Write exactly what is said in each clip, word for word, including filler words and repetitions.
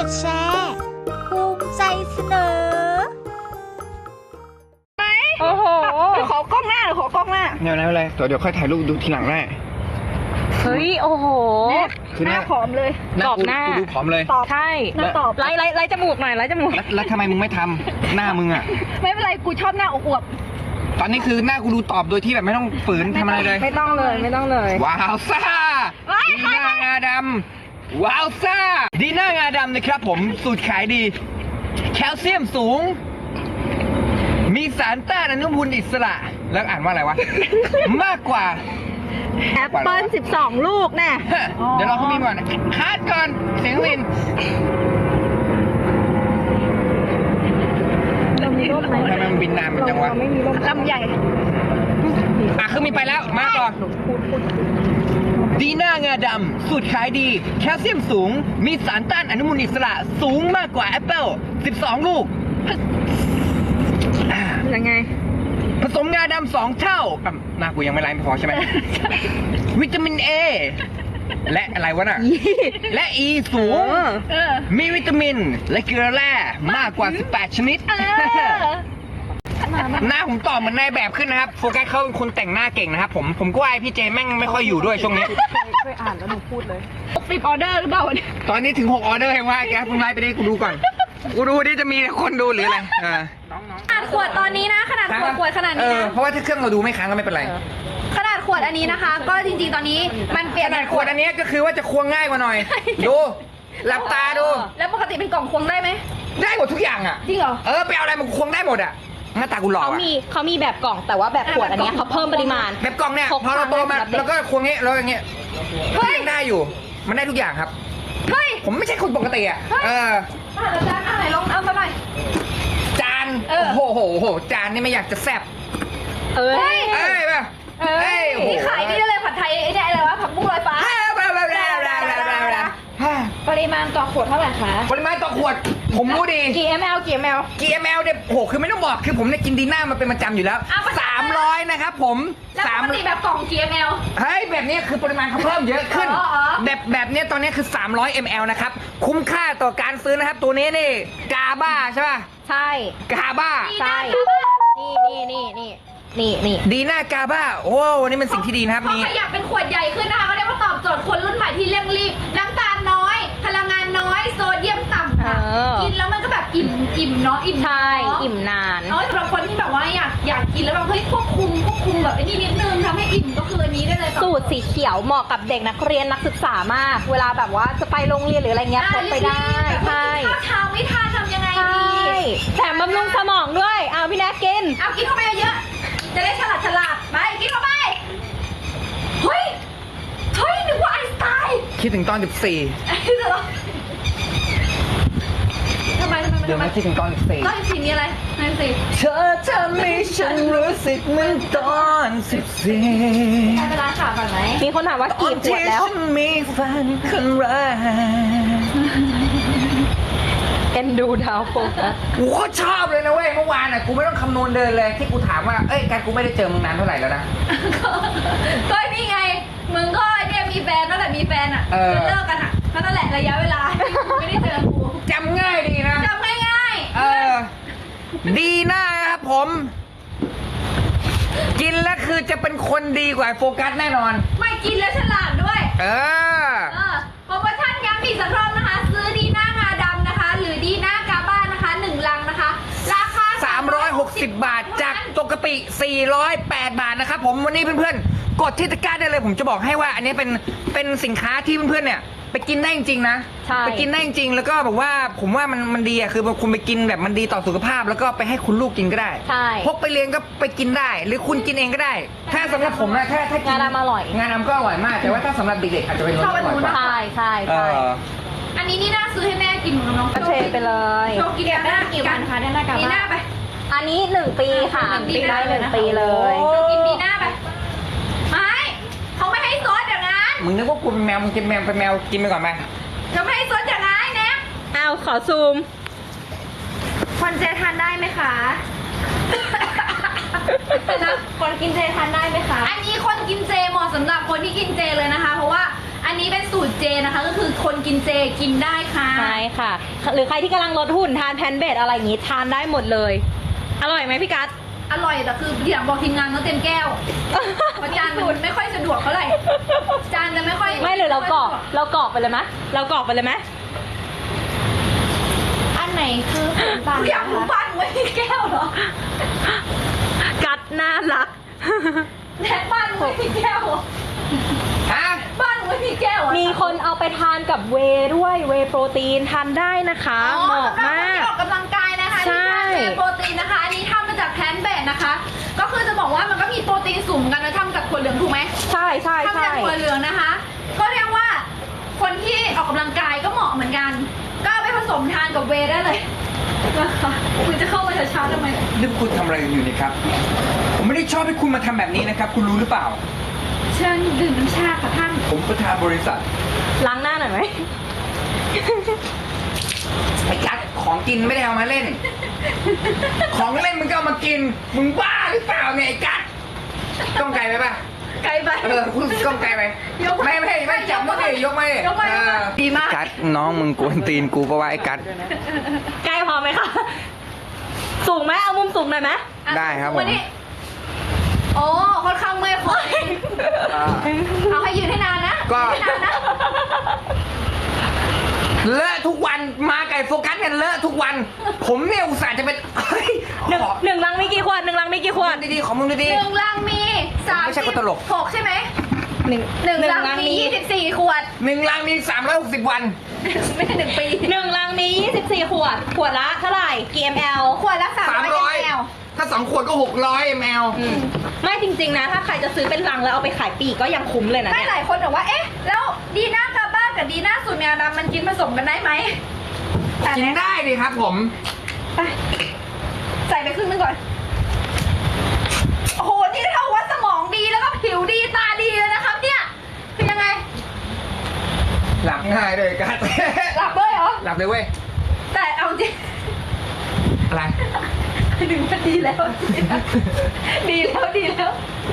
ดแชร์ภูมิใจเสนอโอ้โหขอกล้องหน้าหรือขอกล้องหน้าเดี๋ยวนะอะไรเดี๋ยวเดี๋ยวค่อยถ่ายรูปดูทีหลังได้เฮ้ยโอ้โหคือหน้าผอมเลยตอบหน้าดูผอมเลยใช่ตอบไล่ไล่ไล่จมูกหน่อยไล่จมูกแล้วทำไมมึงไม่ทำหน้ามึงอ่ะไม่เป็นไรกูชอบหน้าอวบตอนนี้คือหน้ากูดูตอบโดยที่แบบไม่ต้องฝืนทำอะไรเลยไม่ต้องเลยไม่ต้องเลยว้าวซ่าดีหน้างาดำว้าวซ่าดีหน้างาดำนะครับผมสูตรขายดีแคลเซียมสูงมีสารต้านอนุมูลอิสระแล้วอ่านว่าอะไรวะมากกว่าแอปเปิ้ลสิบสองลูกแน่เดี๋ยวเราเขามีก่อนคาดก่อนเสียงวินเรามีร่มไหมทำไมมันบินนานมันจังวะลำใหญ่อ่ะคือมีไปแล้วมาก่อนดีหน้างาดำสูตรขายดีแคลเซียมสูงมีสารต้านอนุมูลอิสระสูงมากกว่าแอปเปิ้ลสิบสองลูกยังไงผสมงาดำสองเท่าหน้ากูยังไม่ไล่ไม่พอใช่ไหมวิตามินเอและอะไรวะน่ะและอีสูงมีวิตามินและเกลือแร่มากกว่าสิบแปดชนิดหน้าผมตอบเหมือนนายแบบขึ้นนะครับโฟกัสเขาเป็นคนแต่งหน้าเก่งนะครับผมผมก็ว่าพี่เจแม่งไม่ค่อยอยู่ด้วยช่วงนี้เคยอ่านแล้วหนูพูดเลยสิบออเดอร์หรือเปล่าตอนนี้ถึงหกออเดอร์เองว่าแกเพิ่งไล่ไปได้กูดูก่อนกูดูดิจะมีคนดูหรืออะไรขนาดขวดตอนนี้นะขนาดขวดขวดขนาดนี้นะเพราะว่าถ้าเครื่องเราดูไม่ค้างก็ไม่เป็นไรขนาดขวดอันนี้นะคะก็จริงๆตอนนี้มันเปลี่ยนขนาดขวดอันนี้ก็คือว่าจะควงง่ายกว่าหน่อยดูหลับตาดูแล้วปกติเป็นกล่องควงได้ไหมได้หมดทุกอย่างอ่ะจริงเหรอเออไปเอาอะไรมันควงได้หมดอ่ะหน้าตากูหล่อเขามีเขามีแบบกล่องแต่ว่าแบบขวดอันนี้เขาเพิ่มปริมาณแบบกล่องเนี่ยพอเราโตมาแล้วก็ควงงี้แล้วอย่างเงี้ยก็ยังได้อยู่มันได้ทุกอย่างครับเฮ้ยผมไม่ใช่คนปกติอ่ะเอออาจารย์เอาไหนลองเอามาหน่อยจานโอ้โหโหโหจานนี่ไม่อยากจะแซ่บเอ้ยเอ้ยป่ะเอ้ยนี่ขายนี่ได้เลยผัดไทยไอ้เนี่ยอะไรวะผักบุ้งลอยฟ้าปริมาณต่อขวดเท่าไหร่คะปริมาณต่อขวดผมรู้ดีกี่ ml กี่ ml กี่ ml เนี่ยโหคือไม่ต้องบอกคือผมเนี่ยกินดีน่ามาเป็นประจำอยู่แล้วสามร้อยนะครับผมสามปกติแบบกล่องกี่ ml เฮ้ยแบบนี้คือปริมาณเขาเพิ่มเยอะขึ้นแบบแบบนี้ตอนนี้คือสามร้อยมิลลิลิตรนะครับคุ้มค่าต่อการซื้อนะครับตัวนี้นี่กาบ้าใช่ป่ะใช่กาบ้าใช่นี่นี่นี่นี่นี่นี่ดีน่ากาบ้าโอ้นี่มันสิ่งที่ดีนะครับนี่เขาขยับเป็นขวดใหญ่ขึ้นนะคะเขาเรียกว่าตอบโจทย์คนรุ่นใหม่ที่เร่งรีบน้ำตาลน้อยพลังงานน้อยโซเดียมต่ำค่ะกินแล้วมันก็แบบอิ่มอิ่มเนาะอิ่มใช่อิ่มนานเออสำหรับคนที่แบบว่าอยากอยากกินแล้วแบบเฮ้ยควบคุมควบคุมแบบไอ้นี่นิดนึงทำให้อิ่มก็คืออันนี้ได้เลยสูตรสีเขียวเหมาะกับเด็กนักเรียนนักศึกษามากเวลาแบบว่าจะไปโรงเรียนหรืออะไรเงี้ยพกไปได้ใช่ข้าวเช้าไม่ทานทำยังไงดีแถมบำรุงสมองด้วยเอาพี่แนกกินเอากินเข้าไปเยอะจะได้ฉลาดฉลาดไปกินเข้าไปเฮ้ยเฮ้ยนึกว่าไอน์สไตน์คิดถึงตอนสิบสี่ทำไมทำไมเดี๋ยวไม่คิดถึงตอนสิบสี่ตอนสิบสี่มีอะไรตอนสิบสี่เธอทำให้ฉันรู้สึกเหมือนตอนสิบสี่ได้เวลาข่าวก่อนไหมมีคนถามว่ากี่ขวดแล้วมีแฟนคนแรกเอ็นดูดาวโฟกัสกูก็ชอบเลยนะเว้ยเมื่อวานอ่ะกูไม่ต้องคำนวณเดินเลยที่กูถามว่าเอ้ยการกูไม่ได้เจอมึงนานเท่าไหร่แล้วนะก็นี่ไงมึงก็เนี่ยมีแฟนตั้งแต่มีแฟนอ่ะจนเลิกกันอ่ะนั่นแหละระยะเวลาไม่ได้เจอกูจำง่ายดีนะจำง่ายๆเออดีนะครับผมกินแล้วคือจะเป็นคนดีกว่าโฟกัสแน่นอนไม่กินแล้วฉลาดด้วยเออเออโปรโมชั่นย้ำอีกสักรอบนะคะซื้อดีน่างาดำนะคะหรือดีน่ากาบ้านะคะหนึ่งลังนะคะราคาสามร้อยหกสิบบาทจากปกติสี่ร้อยแปดบาทนะครับผมวันนี้เพื่อนๆกดที่ตะกร้าได้เลยผมจะบอกให้ว่าอันนี้เป็นเป็นสินค้าที่เพื่อนๆเนี่ยไปกินได้จริงๆนะไปกินได้จริงแล้วก็แบบว่าผมว่ามันมันดีอ่ะคือคุณไปกินแบบมันดีต่อสุขภาพแล้วก็ไปให้คุณลูกกินก็ได้พกไปเลี้ยงก็ไปกินได้หรือคุณกินเองก็ได้ถ้าสำหรับผมนะถ้าถ้ากินงานอร่อยงานก็อร่อยมากแต่ว่าถ้าสำหรับเด็กๆอาจจะเป็นรสอร่อยกว่าใช่ใช่ใช่อันนี้นี่น่าซื้อให้แม่กินของน้องเทไปเลยโชว์กินแบบหน้ากี่วันคะเนี่ยหน้ากาบ้าดีน่าไปอันนี้หนึ่งปีค่ะได้หนึ่งปีเลยกินดีน่าไปไม่เขาไม่ให้ซดอย่างนั้นมึงนึกว่ากูเป็นแมวมึงกินแมวเป็นแมวกินไปก่อนไหมเขาไม่ให้ซดอย่างนั้นนะเอาขอซูมคนเจทานได้ไหมคะคนกินเจทานได้ไหมคะอันนี้คนกินเจเหมาะสำหรับคนที่กินเจเลยนะคะเพราะว่าอันอันนี้เป็นสูตรเจนะคะ ก็คือคนกินเจกินได้ค่ะใช่ค่ะ หรือใครที่กำลังลดหุ่นทานแพนเบดอะไรอย่างงี้ทานได้หมดเลย อร่อยไหมพี่กัสอร่อยแต่คืออยากบอกทีมงานต้องเต็มแก้วเพราะจานมันไม่ค่อยสะดวกเท่าไหร่จานจะไม่ค่อยไม่เลยเรากรอกเรากรอกไปเลยไหมเรากรอกไปเลยไหมอันไหนคือขนมปังอยากรู้บ้านไว้ที่แก้วเหรอกัดน่ารักแท็กบ้านไว้ที่แก้วเหรอฮะบ้านไว้ที่แก้วเหรอมีคนเอาไปทานกับเวย์ด้วยเวย์โปรตีนทานได้นะคะอ๋อเหมาะสำหรับคนมากที่ออกกำลังกายนะคะใช่ที่ทานเวย์โปรตีนนะคะอันนี้ทำมาจากแพลนต์เบสนะคะ ก็คือจะบอกว่ามันก็มีโปรตีนสูงกันนะทำจากถั่วเหลืองถูกไหมใช่ใช่ทำใช่จากถั่วเหลืองนะคะ ก็เรียกว่าคนที่ออกกำลังกายก็เหมาะเหมือนกัน ก็เอาไปผสมทานกับเวย์ได้เลยนะคะคุณจะเข้ามาช้าๆทำไมนี่คุณทำอะไรอยู่นี่ครับ ผมไม่ได้ชอบให้คุณมาทำแบบนี้นะครับ คุณรู้หรือเปล่าเชิญดื่มน้ำชาค่ะท่านผมประธานบริษัทล้างหน้าหน่อยไหมไอ้กัดของกินไม่ได้เอามาเล่น ของเล่นมึงก็เอามากิน มึงบ้าหรือเปล่าเนี่ยไอ้กัดต้องไกลไปปะไกลไปเออคุณต้องไกลไปยกไม่ไม่ไม่จับมือดิยกไม่ยกไม่ยกไม่ดีมากกัดน้องมึงกวนตีนกูปะวะไอ้กัดใกล้พอไหมคะ สูงไหมเอามุมสูงหน่อยไหมได้ครับผมวันนี้โอ้ค่อนข้างเมื่อยคอเอาให้ยืนให้นานนะก็ยืนให้นานนะเลอะทุกวันมาไก่โฟกัสกันเลอะทุกวัน ผมเนี่ยอุตส่าห์จะเป็นเฮ้ยหนึ่งขอหนึ่งลังมีกี่ขวดหนึ่งลังมีกี่ขวดดีๆขอมึงดีหนึ่งลังมีสามไม่ใช่สิบคนตลกหกใช่ไหมหนึ่งหนึ่งลังมียี่สิบสี่ขวดๆหนึ่งลังมีสามร้อยหกสิบวันไม่ใช่หนึ่งปีหนึ่งลังมียี่สิบสี่ขวด ขวดละเท่าไหร่กี่ มลขวดละสามสามร้ร้ออย ยแอลถ้าสองขวดก็หกร้อยมลอืมไม่จริงๆนะ ถ้าใครจะซื้อเป็นลังแล้วเอาไปขายปลีกก็ยังคุ้มเลยนะไม่เนี่ยหลายคนบอกว่า เอ๊ะ แล้วดีน่ากาบ้ากับดีน่าสูตรแมวดำมันกินผสมกันได้ไหมแต่กินได้ดิครับผมไปใส่ไปครึ่งนึงก่อน โอ้โห นี่เท่าว่าสมองดีแล้วก็ผิวดีตาดีเลยนะครับ เนี่ย คือยังไงหลับง่ายเลยกัดหลับเลยเหรอหลับเลยเว้ยแต่เอาจริงอะไรดึงมาดีแล้ว ดีแล้วดีแล้ว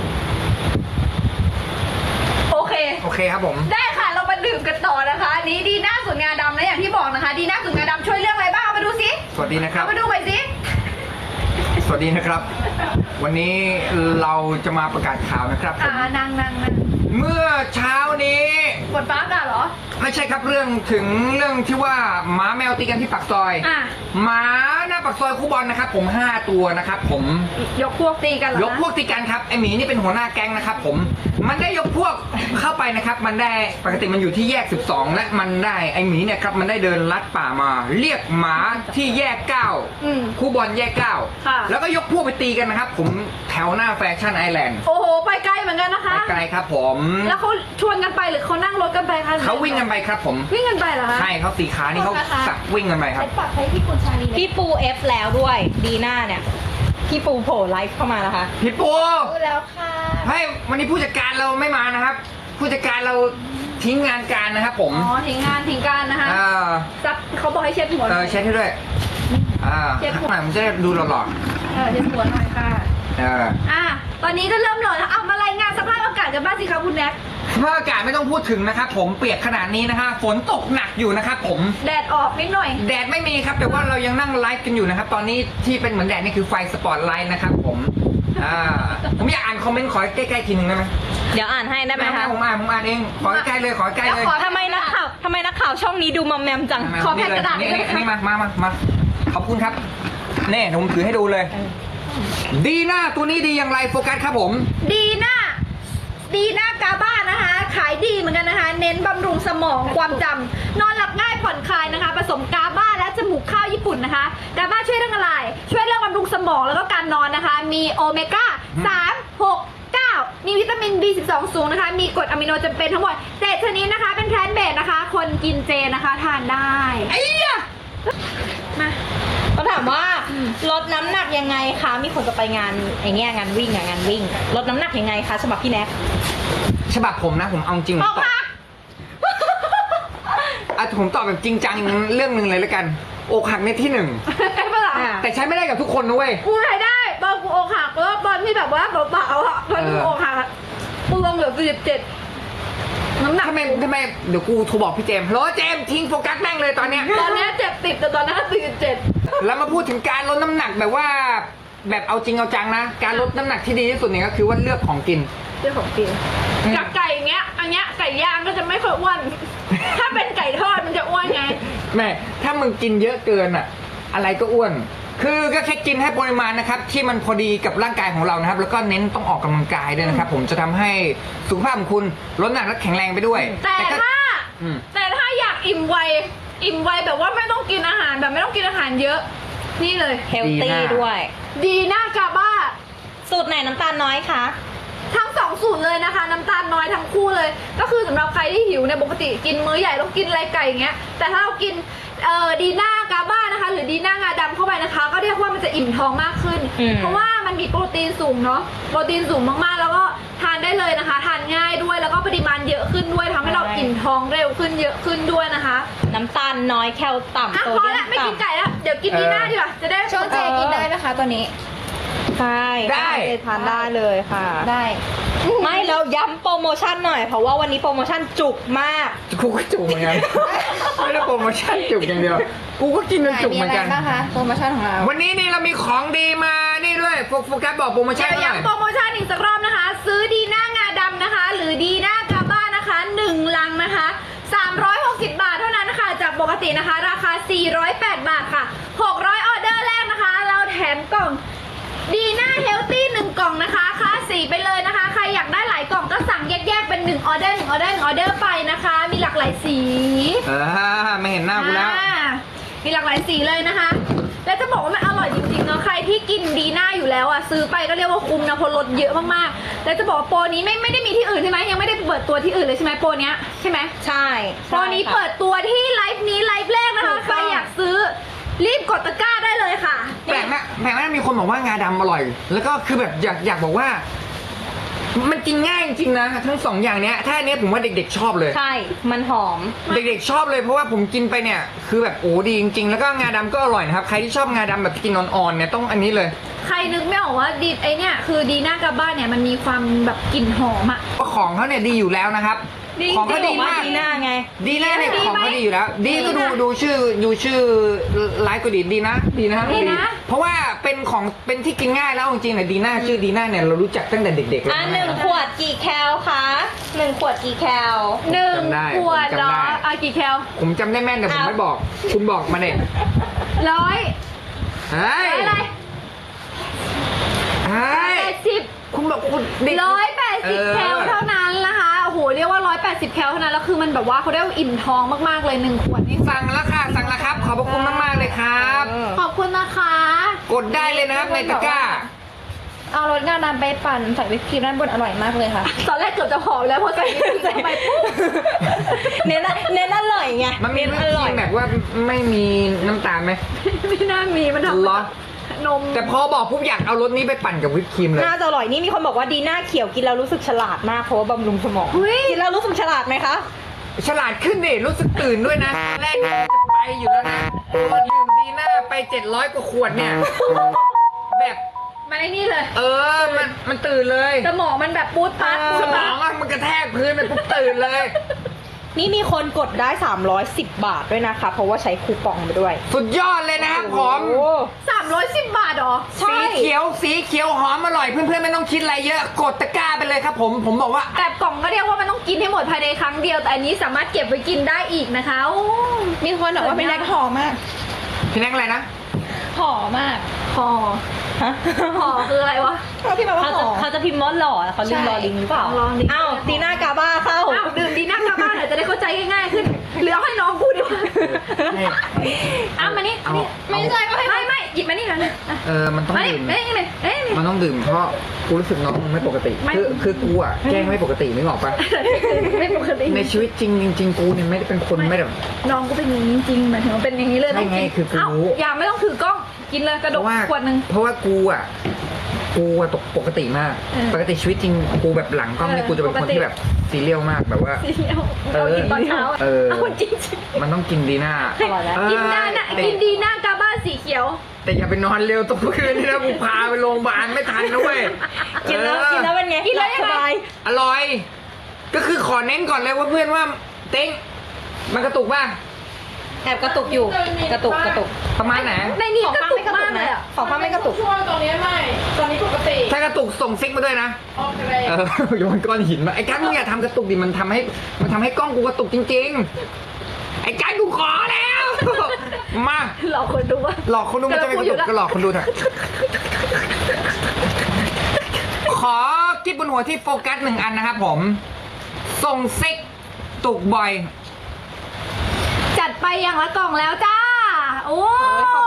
โอเคโอเคครับผมได้ค่ะ เรามาดื่มกันต่อนะคะอันนี้ดีน่าสูตรงาดำนะอย่างที่บอกนะคะ ดีน่าสูตรงาดำช่วยเรื่องอะไรบ้างเอามาดูสิสวัสดีนะครับเอามาดูหน่อยสิสวัสดีนะครับ วันนี้เราจะมาประกาศข่าวนะครับผอ่าม นางนางนางเมื่อเช้านี้กดฟ้าอากาศเหรอไม่ใช่ครับเรื่องถึงเรื่องที่ว่าหมาแมวตีกันที่ปากซอยอ่ะหมาหน้าปากซอยคู่บอลนะครับผมห้าตัวนะครับผมยกพวกตีกันเหรอยกพวกตีกันครับไอหมีนี่เป็นหัวหน้าแก๊งนะครับผมมันได้ยกพวกเข้าไปนะครับมันได้ปกติมันอยู่ที่แยกสิบสองและมันได้ไอหมีเนี่ยครับมันได้เดินลัดป่ามา เรียกหมาที่แยกเก้าอืมคู่บอลแยกเก้าค่ะแล้วก็ยกพวกไปตีกันนะครับผมแถวหน้าแฟชั่นไอแลนด์โอ้โห ไปไกลเหมือนกันนะคะไกลครับผมแล้วเขาชวนกันไปหรือเขานั่งรถกันไปคะเขาวิ่งกันไปครับผมวิ่งกันไปเหรอคะใช่เขาสีขานี่เขาสักวิ่งกันไปครับใช้ปากใช้ที่คุณชาลีพี่ปูเอฟแล้วด้วย ดีหน้าเนี่ย พี่ปูโผล่ไลฟ์เข้ามานะคะพี่ปูรู้แล้วค่ะให้วันนี้ผู้จัดการเราไม่มานะครับ ผู้จัดการเราทิ้งงานการนะครับผมอ๋อทิ้งงานทิ้งการนะคะเออซับเขาบอกให้เช็ดหัวเออเช็ดให้ด้วยอ่าเช็ดหัวข้างหลังมันจะได้ดูหล่อเออเช็ดหัวหน่อยค่ะๆเอออ่ะ ตอนนี้ก็เริ่มหล่อแล้วเอามารายงานสภาพอากาศกันบ้างสิคะคุณแน็กสภาพอากาศไม่ต้องพูดถึงนะครับผมเปียกขนาดนี้นะฮะฝนตกหนักอยู่นะครับผมแดดออกนิดหน่อยแดดไม่มีครับแต่ว่าเรายังนั่งไลฟ์กันอยู่นะครับ ตอนนี้ที่เป็นเหมือนแดดนี่คือไฟสปอตไลท์นะครับผมอ่าผมอยากอ่านคอมเมนต์ขอใกล้ๆทีนึงได้ไหมเดี๋ยวอ่านให้ได้ไหมคะผมอ่านผมอ่านเองขอใกล้ๆเลยขอใกล้ๆเลยแล้วขอทำไมนักข่าวทำไมนักข่าวช่องนี้ดูมอมแมมจังขอแผ่นกระดาษนี่ด้วยนี่นะคะนี่มามามามาขอบคุณครับเน่ผมถือให้ดูเลย ดีหน้าตัวนี้ดีอย่างไรโฟกัสครับผมดีน่าดีน่ากาบ้านะคะ ขายดีเหมือนกันนะคะ เน้นบำรุงสมองความจำนอนหลับง่ายผ่อนคลายนะคะ ผสมกาบ้าและจมูกข้าวญี่ปุ่นนะคะ กาบ้าช่วยเรื่องอะไร ช่วยเรื่องบำรุงสมองแล้วก็การนอนนะคะ มีโอเมก้าสาม หก เก้ามีวิตามิน บี สิบสอง สูงนะคะ มีกรดอะมิโนจำเป็นทั้งหมดเจ็ดชนิดนะคะ เป็นแพลนต์เบสนะคะ คนกินเจนะคะทานได้ไอ้ยะมาเขาถามว่าลดน้ำหนักยังไงคะมีคนจะไปงานไอ้เงี้ยงานวิ่งอะงานวิ่งลดน้ำหนักยังไงคะฉบับพี่แน็กฉบับผมนะผมเอาจริงผอมอกตอบมาอ่ะผมตอบแบบจริงจังเรื่องหนึ่งเลยแล้วกันอกหักในที่หนึ่งไอ้ปะล่ะอ่ะแต่ใช้ไม่ได้กับทุกคนนะเว้ยกูรายได้ตอนกูอกหักแล้วตอนที่แบบว่าเบาๆอ่ะตอนกูอกหักอะกูลงเหลือสี่สิบเจ็ดน้ำหนักทำไมทำไมเดี๋ยวกูโทรบอกพี่เจมส์โหลเจมส์ทิ้งโฟกัสแม่งเลยตอนเนี้ยตอนนี้เจ็ดสิบแต่ตอนนั้นสี่สิบเจ็ดแล้วมาพูดถึงการลดน้ำหนักแบบว่า แบบเอาจริงเอาจังนะ การลดน้ำหนักที่ดีที่สุดเนี่ยก็คือว่าเลือกของกินเรื่องของกินอืมกับไก่อย่างเงี้ย อันเนี้ยไก่ย่างก็จะไม่ค่อยอ้วน ถ้าเป็นไก่ทอดมันจะอ้วนไงแม่ถ้ามึงกินเยอะเกินอะอะไรก็อ้วน คือก็แค่กินให้ปริมาณนะครับที่มันพอดีกับร่างกายของเรานะครับ แล้วก็เน้นต้องออกกำลังกายด้วยนะครับ ผมจะทำให้สุขภาพของคุณลดน้ำหนักและแข็งแรงไปด้วยแต่ก็ถ้าอืมแต่ถ้าอยากอิ่มไวอิ่มไวแบบว่าไม่ต้องกินอาหารแบบไม่ต้องกินอาหารเยอะ นี่เลยเฮลตี้ด้วยดีน่ากาบ้าสูตรไหนน้ำตาลน้อยคะทั้งสองสูตรเลยนะคะ น้ำตาลน้อยทั้งคู่เลย ก็คือสำหรับใครที่หิวเนี่ยปกติกินมื้อใหญ่ต้องกินอะไรไก่อย่างเงี้ยแต่ถ้าเรากินเอ่อดีน่ากาบ้านะคะ หรือดีน่างาดำเข้าไปนะคะ ก็เรียกว่ามันจะอิ่มท้องมากขึ้นอืมเพราะว่ามันมีโปรตีนสูงเนาะโปรตีนสูงมากๆ แล้วก็ทานได้เลยนะคะ ทานง่ายด้วยแล้วก็ปริมาณเยอะขึ้นด้วยทำให้เราอิ่มท้องเร็วขึ้นเยอะขึ้นด้วยนะคะน้ำตาลน้อยแคลต่ำอ่ะโซพอเดียละมไม่กินต่ำไก่แล้วเดี๋ยวกินดีน่าดีกว่าจะได้ช่วงเจกินได้ไหมคะตัวนี้ใช่ได้เจทานได้เลยค่ะได้ไม่แล้วย้ำโปรโมชั่นหน่อย เพราะว่าวันนี้โปรโมชั่นจุกมากกูก็จุกเหมือนกัน ไม่ได้โปรโมชั่นจุกอย่างเดียว กูก็กินจนจุกเหมือนกันมีอะไรบ้างคะโปรโมชั่นของเราวันนี้นี่เรามีของดีมานี่ด้วยโฟโฟกัสบอกโปรโมชั่นเดี๋ยวหน่อยย้ำโปรโมชั่นอีกสักรอบนะคะ ซื้อดีน่างาดำนะคะ หรือดีน่ากาบ้านะคะหนึ่งลังนะคะสามร้อยหกสิบบาทเท่านั้นนะคะจากปกตินะคะ ราคาสี่ร้อยแปดบาทค่ะหกร้อยออเดอร์แรกนะคะ เราแถมกล่องดีน่าเฮลตี้หนึ่งกล่องนะคะค่าสีไปเลยนะคะ ใครอยากได้หลายกล่องก็สั่งแยกๆเป็นหนึ่งออเดอร์หนึ่งออเดอร์หนึ่งออเดอร์ไปนะคะ มีหลากหลายสีเออไม่เห็นหน้ากูแล้วอ่ามีหลากหลายสีเลยนะคะ และจะบอกว่ามันอร่อยจริงๆเนาะใครที่กินดีน่าอยู่แล้วอ่ะซื้อไปก็เรียกว่าคุ้มนะเพราะลดเยอะมากๆและจะบอกว่าโปรนี้ไม่ไม่ได้มีที่อื่นใช่ไหมยังไม่ได้เปิดตัวที่อื่นเลยใช่ไหมโปรเนี้ยใช่ไหมใช่โปรนี้เปิดตัวที่ไลฟ์นี้ไลฟ์แรกนะคะใครอยากซื้อรีบกดตะกร้าได้เลยค่ะแปลกนะแปลกนะมีคนบอกว่างาดำอร่อย แล้วก็คือแบบอยากอยากบอกว่า มันกินง่ายจริงๆนะทั้งสองอย่างเนี้ยถ้าอันเนี้ยผมว่าเด็กๆชอบเลยใช่ มันหอมเด็กๆชอบเลยเพราะว่าผมกินไปเนี่ยคือแบบโอ้ดีจริงๆแล้วก็งาดำก็อร่อยนะครับใครที่ชอบงาดำแบบกินอ่อนๆเนี่ยต้องอันนี้เลยใครนึกไม่ออกว่าดีไอเนี่ยคือดีน่ากาบ้านเนี่ยมันมีความแบบกลิ่นหอมอะเพราะของเขาเนี่ยดีอยู่แล้วนะครับดีของเขาดีบอกว่ามากดีหน้าไงดีนะเนี่ยดีของไหมเขาดีอยู่แล้ว ดีก็ดูดีนะดูชื่อดูชื่อไลฟ์ก็ดีดีนะ ดีนะดีนะเพราะว่าเป็นของเป็นที่กินง่ายแล้วจริงๆเนี่ยดีน่าชื่อดีน่าเนี่ยเรารู้จักตั้งแต่เด็กๆเลยอ่ะหนึ่งขวดกี่แคลคะหนึ่งขวดกี่แคลหนึ่งจำได้ขวดผมเหรจำอได้อ่ะกี่แคลผมจำได้แม่นแต่ผมเอาไม่บอก คุณบอกมาเนี่ยร้อยเฮ้ยร้อยอะไรเฮ้ยแปดสิบคุณบอกคุณเด็กร้อยแปดสิบเออแคลเท่านั้นนะคะโอ้โหเรียกว่าร้อยแปดสิบแคลเท่านั้นแล้วคือมันแบบว่าเขาได้อิ่มท้องมากๆเลยหนึ่งขวดนี่สั่งแล้วค่ะสั่งแล้วครับ ขอบพระคุณมากๆเลยครับเออขอบคุณนะคะกดได้เลยนะครับในตะกร้าเอารสงาดำไปปั่นใส่วิปครีมด้านบนอร่อยมากเลยค่ะตอนแรกเกือบจะหอมแล้วพอใส่วิปครีมเข้าไปปุ๊บเน้นอะเน้นอร่อยไงมันมีเน้นวิอปคร่อรียมแบบว่าไม่มีน้ำตาลไหมไม่น่ามีมันทำเหรอนมแต่พอบอกปุ๊บอยากเอารสนี้ไปปั่นกับวิปครีมเลยน่าจะอร่อยนี่มีคนบอกว่าดีหน้าเขียวกินแล้วรู้สึกฉลาดมากเพราะว่าบำรุงสมองเฮ้ยกินแล้วรู้สึกฉลาดไหมคะฉลาดขึ้นดิรู้สึกตื่นด้วยนะตอนแรกจะไปอยู่แล้วนะดื่มดีหน้าไปเจ็ดร้อยกว่าขวดเนี่ย แบบมันไอ้นี่เลยเออ มัน มันตื่นเลยสมองมันแบบปูดปัดสมองอะมันกระแทกพื้นไปปุ๊บตื่นเลยนี่มีคนกดได้สามร้อยสิบบาทด้วยนะคะ เพราะว่าใช้คูปองไปด้วยสุดยอดเลยนะครับผมโอ้สามร้อยสิบบาทเหรอใช่สีเขียว สีเขียวหอมอร่อย เพื่อนๆไม่ต้องคิดอะไรเยอะ กดตะกร้าไปเลยครับผม ผมบอกว่าแบบกล่องก็เรียกว่ามันต้องกินให้หมดภายในครั้งเดียว แต่อันนี้สามารถเก็บไว้กินได้อีกนะคะโอ้มีคนบอกว่าเป็นแรกหอมมากพี่แนักอะไรนะหอมมากห่อฮะห่อคืออะไรวะเขาพี่บอกว่าเขาหจะอมเขาจะพิมพ์ว่าหล่อเขาลืมใช่รอลิงหรือเปล่าลองดิอ้าวตีหน้ากาบ้าเข้าอ้าวดื่มดีนั่งกลับบ้านหน่อยจะได้เข้าใจง่ายๆขึ้นหรือเอาให้น้องกูดีกว่าให้อ้าวมานี่เอานี่เอาไม่ใช่ก็ให้ไม่ไม่หยิบมานี่กันนะเออ มันต้องมานี่ดื่มมานี่เลยเอ้ยมันต้องดื่มเพราะกูรู้สึกน้องมึงไม่ปกติไม่คือคือกูอะแกล้งไม่ปกตินึกออกปะไม่ปกติในชีวิตจริงจริงๆกูเนี่ยไม่ได้เป็นคนไม่แบบน้องกูเป็นอย่างนี้จริงๆหมายถึงว่าเป็นอย่างนี้เลยใช่ไงต้กินคือกูเอ้ารู้อย่าไม่ต้องถือกล้องกินเลยกระเพดกราะว่าขวดหนึ่งเพราะว่ากูอะกูอะตกปกติมากเออปกติชีวิตจริงกูแบบหลังกล้องนี่เออกูจะเป็นคนปกติที่แบบซีเรียลมากแบบว่าสีเขียวเออเรากินตอนเช้าอะเออเอาจริงมันต้องกินดีหน้าอร่อยแล้วเออๆกินได้นะแต่กินดีหน้ากาบ้าสีเขียวแต่อย่าไปนอนเร็วตรงคืนนี่นะกูพาไปโรงพยาบาลไม่ทันนะเว้ยกินแล้วเออกินแล้วเป็นไงกินแล้วหบสบายอร่อยก็คือขอเน้นก่อนเลยว่าเพื่อนว่าเต็งมันกระตุกป่ะแอบกระตุกอยู่กระตุกกระตุกประมาณไหนในนี้ของกระป้าตุไม่กกระตุมาก กเลนะยอ่ะของป้าไม่กระตุกช่วงตอนนี้ไม่ ตอนนี้ปกติถ้ากระตุกส่งซิกมาด้วยนะโอเคเออโยนก้อนหินมาไอ้การมึงอย่าทำกระตุกดิมันทำให้มันทำให้กล้องกูกระตุกจริงๆ ไอ้การกูขอแล้ว มาหลอกคนดูว่าหลอกคนดูมันจะไม่กระตุกก็หลอกคนดูเถอะขอกิ๊บบนหัวที่โฟกัสหนึ่งอันนะครับผมส่งซิกตุกบ่อยจัดไปอย่างละกล่องแล้วจ้า โอ้โอ้ยข